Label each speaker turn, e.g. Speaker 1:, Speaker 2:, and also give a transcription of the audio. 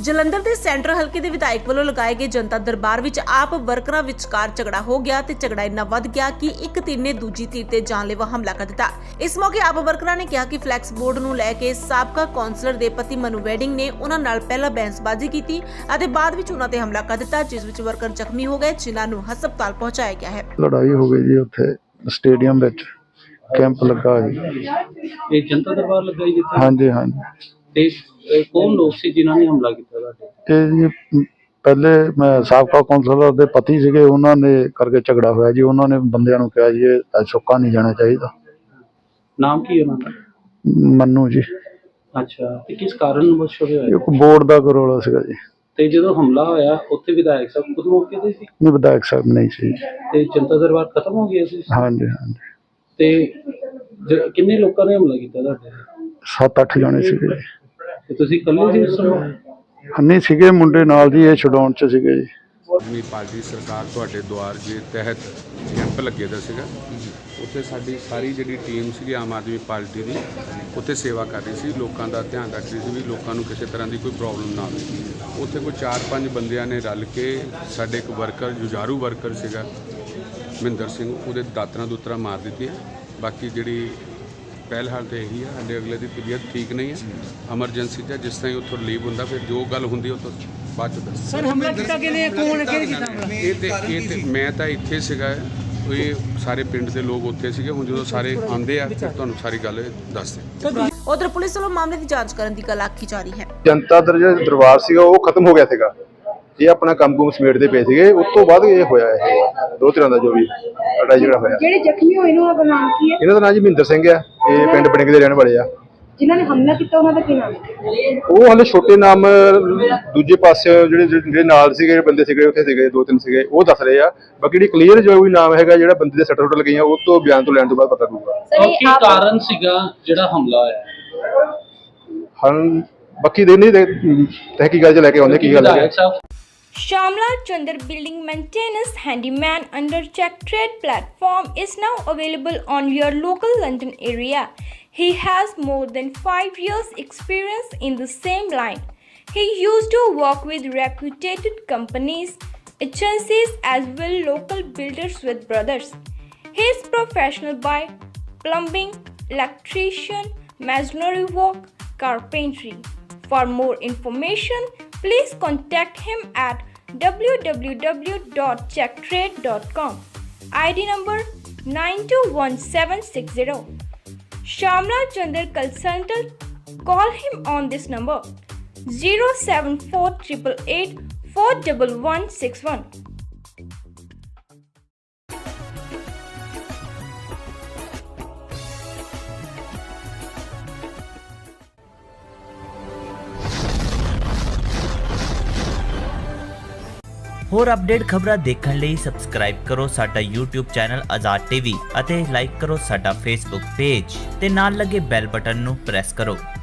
Speaker 1: ਜਲੰਧਰ ਦੇ ਸੈਂਟਰ ਹਲਕੇ ਦੇ ਵਿਧਾਇਕ ਵੱਲੋਂ ਲਗਾਏ ਗਏ ਜਨਤਾ ਦਰਬਾਰ ਵਿੱਚ ਆਪ ਵਰਕਰਾਂ ਵਿਚਕਾਰ ਝਗੜਾ ਹੋ ਗਿਆ ਤੇ ਝਗੜਾ ਇੰਨਾ ਵੱਧ ਗਿਆ ਕਿ ਇੱਕ ਧਿਰ ਨੇ ਦੂਜੀ ਧਿਰ ਤੇ ਜਾਨਲੇਵਾ ਹਮਲਾ ਕਰ ਦਿੱਤਾ। ਇਸ ਮੌਕੇ ਆਪ ਵਰਕਰਾਂ ਨੇ ਕਿਹਾ ਕਿ ਫਲੈਕਸ ਬੋਰਡ ਨੂੰ ਲੈ ਕੇ ਸਾਬਕਾ ਕੌਂਸਲਰ ਦੇ ਪਤੀ ਮਨੂ ਵੈਡਿੰਗ ਨੇ ਉਹਨਾਂ ਨਾਲ ਪਹਿਲਾਂ ਬਹਿਸਬਾਜ਼ੀ ਕੀਤੀ ਅਤੇ ਬਾਅਦ ਵਿੱਚ ਉਹਨਾਂ ਤੇ ਹਮਲਾ ਕਰ ਦਿੱਤਾ, ਜਿਸ ਵਿੱਚ ਵਰਕਰ ਜ਼ਖਮੀ ਹੋ ਗਏ, ਜਿਨ੍ਹਾਂ ਨੂੰ ਹਸਪਤਾਲ ਪਹੁੰਚਾਇਆ ਗਿਆ ਹੈ।
Speaker 2: ਲੜਾਈ ਹੋ ਗਈ ਜੀ ਉੱਥੇ ਸਟੇਡੀਅਮ ਵਿੱਚ ਕੈਂਪ ਲੱਗਾ ਜੀ।
Speaker 3: ਇਹ ਜਨਤਾ ਦਰਬਾਰ ਲੱਗਾ ਜੀ?
Speaker 2: ਹਾਂਜੀ ਹਾਂਜੀ।
Speaker 3: ਤੇ ਕੌਣ ਲੋਕ ਸੀ ਜਿਨ੍ਹਾਂ ਨੇ ਹਮਲਾ ਕੀਤਾ ਤੁਹਾਡੇ?
Speaker 2: ਇਹ ਜੀ ਪਹਿਲੇ ਮੈਂ ਸਾਬਕਾ ਕੌਂਸਲਰ ਦੇ ਪਤੀ ਸੀਗੇ, ਉਹਨਾਂ ਨੇ ਕਰਕੇ ਝਗੜਾ ਹੋਇਆ ਜੀ। ਉਹਨਾਂ ਨੇ ਬੰਦਿਆਂ ਨੂੰ ਕਿਹਾ ਜੀ ਇਹ ਸੁੱਕਾ ਨਹੀਂ ਜਾਣਾ ਚਾਹੀਦਾ।
Speaker 3: ਨਾਮ ਕੀ ਉਹਨਾਂ ਦਾ?
Speaker 2: ਮੰਨੂ ਜੀ।
Speaker 3: ਅੱਛਾ, ਤੇ ਕਿਸ ਕਾਰਨ ਵਸ਼ ਹੋਇਆ?
Speaker 2: ਇੱਕ ਬੋਰਡ ਦਾ ਰੌਲਾ ਸੀਗਾ ਜੀ।
Speaker 3: ਤੇ ਜਦੋਂ ਹਮਲਾ ਹੋਇਆ ਉੱਥੇ ਵਿਧਾਇਕ ਸਾਹਿਬ ਖੁਦ ਮੌਕੇ ਤੇ ਸੀ?
Speaker 2: ਨਹੀਂ, ਵਿਧਾਇਕ ਸਾਹਿਬ ਨਹੀਂ ਸੀ।
Speaker 3: ਤੇ ਜਨਤਾ ਦਰਬਾਰ ਖਤਮ ਹੋ ਗਿਆ ਸੀ?
Speaker 2: ਹਾਂਜੀ ਹਾਂਜੀ।
Speaker 3: ਤੇ ਕਿੰਨੇ ਲੋਕਾਂ ਨੇ ਹਮਲਾ ਕੀਤਾ ਤੁਹਾਡੇ?
Speaker 2: 7-8 ਜਣੇ ਸੀਗੇ ਜੀ।
Speaker 3: ਤੇ ਤੁਸੀਂ ਇਕੱਲੇ ਸੀ ਉਸ ਸਮੇਂ?
Speaker 2: ਨਹੀਂ ਸੀਗੇ, ਮੁੰਡੇ ਨਾਲ ਜੀ, ਇਹ ਛਡਾਉਣ ਚ ਸੀਗੇ ਜੀ।
Speaker 4: ਆਦਮੀ ਪਾਰਟੀ ਸਰਕਾਰ ਤੁਹਾਡੇ ਦੁਆਰ ਦੇ ਤਹਿਤ ਕੈਂਪ ਲੱਗੇ ਦਾ ਸੀਗਾ। ਉੱਥੇ ਸਾਡੀ ਸਾਰੀ ਜਿਹੜੀ ਟੀਮ ਸੀਗੀ ਆਮ ਆਦਮੀ ਪਾਰਟੀ ਦੀ ਉੱਥੇ ਸੇਵਾ ਕਰ ਰਹੀ ਸੀ, ਲੋਕਾਂ ਦਾ ਧਿਆਨ ਰੱਖ ਰਹੀ ਸੀ ਵੀ ਲੋਕਾਂ ਨੂੰ ਕਿਸੇ ਤਰ੍ਹਾਂ ਦੀ ਕੋਈ ਪ੍ਰੋਬਲਮ ਨਾ ਆਵੇ। ਉੱਥੇ ਕੋਈ 4-5 ਬੰਦਿਆਂ ਨੇ ਰਲ ਕੇ ਸਾਡੇ ਇੱਕ ਵਰਕਰ, ਜੁਝਾਰੂ ਵਰਕਰ ਸੀਗਾ ਮਹਿੰਦਰ ਸਿੰਘ, ਉਹਦੇ ਦਾਤਰਾ ਮਾਰ ਦਿੱਤੀਆਂ। ਬਾਕੀ ਜਿਹੜੀ ਪਹਿਲ ਹਾਲ ਤਾਂ ਇਹੀ ਹੈ, ਸਾਡੇ ਅਗਲੇ ਦੀ ਤਬੀਅਤ ਠੀਕ ਨਹੀਂ ਹੈ, ਐਮਰਜੈਂਸੀ 'ਚ ਜਿਸ ਤਰ੍ਹਾਂ ਹੀ ਉੱਥੋਂ ਰਿਲੀਵ ਹੁੰਦਾ ਫਿਰ ਜੋ ਗੱਲ ਹੁੰਦੀ ਉਹ ਤੋਂ ਬਾਅਦ 'ਚ ਦੱਸ।
Speaker 5: ਸਰ ਹਮਲਾ ਕੀਤਾ ਕਿਹਨੇ, ਕੌਣ ਕਿਹਨੇ ਕੀਤਾ ਹਮਲਾ?
Speaker 4: ਇਹ ਤੇ ਮੈਂ ਤਾਂ ਇੱਥੇ ਸੀਗਾ, ਇਹ ਸਾਰੇ ਪਿੰਡ ਦੇ ਲੋਕ ਉੱਥੇ ਸੀਗੇ। ਹੁਣ ਜਦੋਂ ਸਾਰੇ ਆਉਂਦੇ ਆ ਫਿਰ ਤੁਹਾਨੂੰ ਸਾਰੀ ਗੱਲ ਦੱਸਦੇ।
Speaker 1: ਉਧਰ ਪੁਲਿਸ ਵੱਲੋਂ ਮਾਮਲੇ ਦੀ ਜਾਂਚ ਕਰਨ ਦੀ ਗੱਲ ਆਖੀ ਜਾ ਰਹੀ ਹੈ।
Speaker 6: ਜਨਤਾ ਦਰਬਾਰ ਸੀਗਾ ਉਹ ਖਤਮ ਹੋ ਗਿਆ ਸੀਗਾ। ਇਹ ਆਪਣਾ ਕੰਮ ਕੁਮ ਸਮੇਟਦੇ ਪਏ ਸੀਗੇ, ਉਸ ਤੋਂ ਬਾਅਦ ਇਹ ਹੋਇਆ ਇਹ ਦੋ ਤਰ੍ਹਾਂ ਦਾ ਜੋ ਵੀ ਲੜਾਈ ਝਗੜਾ ਹੋਇਆ।
Speaker 7: ਜਿਹੜੇ ਜ਼ਖਮੀ ਹੋਏ ਨੇ ਉਹਨਾਂ ਦਾ ਨਾਮ ਕੀ ਹੈ?
Speaker 6: ਇਹਨਾਂ ਦਾ ਨਾਮ ਜੀ ਮਹਿੰਦਰ ਸਿੰਘ ਆ, ਇਹ ਪਿੰਡ ਬੜਿੰਗ ਦੇ ਰਹਿਣ ਵਾਲੇ ਆ।
Speaker 7: ਜਿਨ੍ਹਾਂ ਨੇ ਹਮਲਾ ਕੀਤਾ ਉਹਨਾਂ ਦਾ ਕੀ ਨਾਮ ਹੈ?
Speaker 6: ਉਹ ਹਾਲੇ ਛੋਟੇ ਨਾਮ ਦੂਜੇ ਪਾਸੇ ਜਿਹੜੇ ਨਾਲ ਸੀਗੇ ਬੰਦੇ ਸੀਗੇ, ਉੱਥੇ ਸੀਗੇ 2-3 ਸੀਗੇ, ਉਹ ਦੱਸ ਰਹੇ ਆ। ਬਾਕੀ ਜਿਹੜੀ ਕਲੀਅਰ ਜੋ ਵੀ ਨਾਮ ਹੈਗਾ ਜਿਹੜਾ ਬੰਦੇ ਦੇ ਸੱਟ ਸੁੱਟ ਲੱਗੀਆਂ ਉਹ ਤੋਂ ਬਿਆਨ ਤੋਂ ਲੈਣ ਤੋਂ ਬਾਅਦ ਪਤਾ ਲੱਗੂਗਾ
Speaker 3: ਕੀ ਕਾਰਨ ਸੀਗਾ ਜਿਹੜਾ ਹਮਲਾ ਹੋਇਆ।
Speaker 6: ਹਾਂ ਬਾਕੀ ਦੇ ਨਹੀਂ ਤਹਿਕੀਕਾਤ ਚ ਲੈ ਕੇ ਆਉਂਦੇ ਕੀ ਗੱਲ ਹੈ।
Speaker 8: Shamla Chandar Building Maintenance Handyman under Check Trade platform is now available on your local London area. He has more than 5 years experience in the same line. He used to work with reputed companies, agencies as well local builders with brothers. He is professional by plumbing, electrician, masonry work, carpentry. For more information, please contact him at www.checktrade.com. ID number 921760. Shamla Chandar Consultant. Call him on this number 07488 41161.
Speaker 9: ਹੋਰ update ਖਬਰਾਂ ਦੇਖਣ ਲਈ subscribe ਕਰੋ ਸਾਡਾ YouTube channel Azad TV ਅਤੇ like ਕਰੋ ਸਾਡਾ Facebook page ਤੇ ਨਾਲ ਲੱਗੇ ਬੈਲ ਬਟਨ ਨੂੰ ਪ੍ਰੈਸ ਕਰੋ।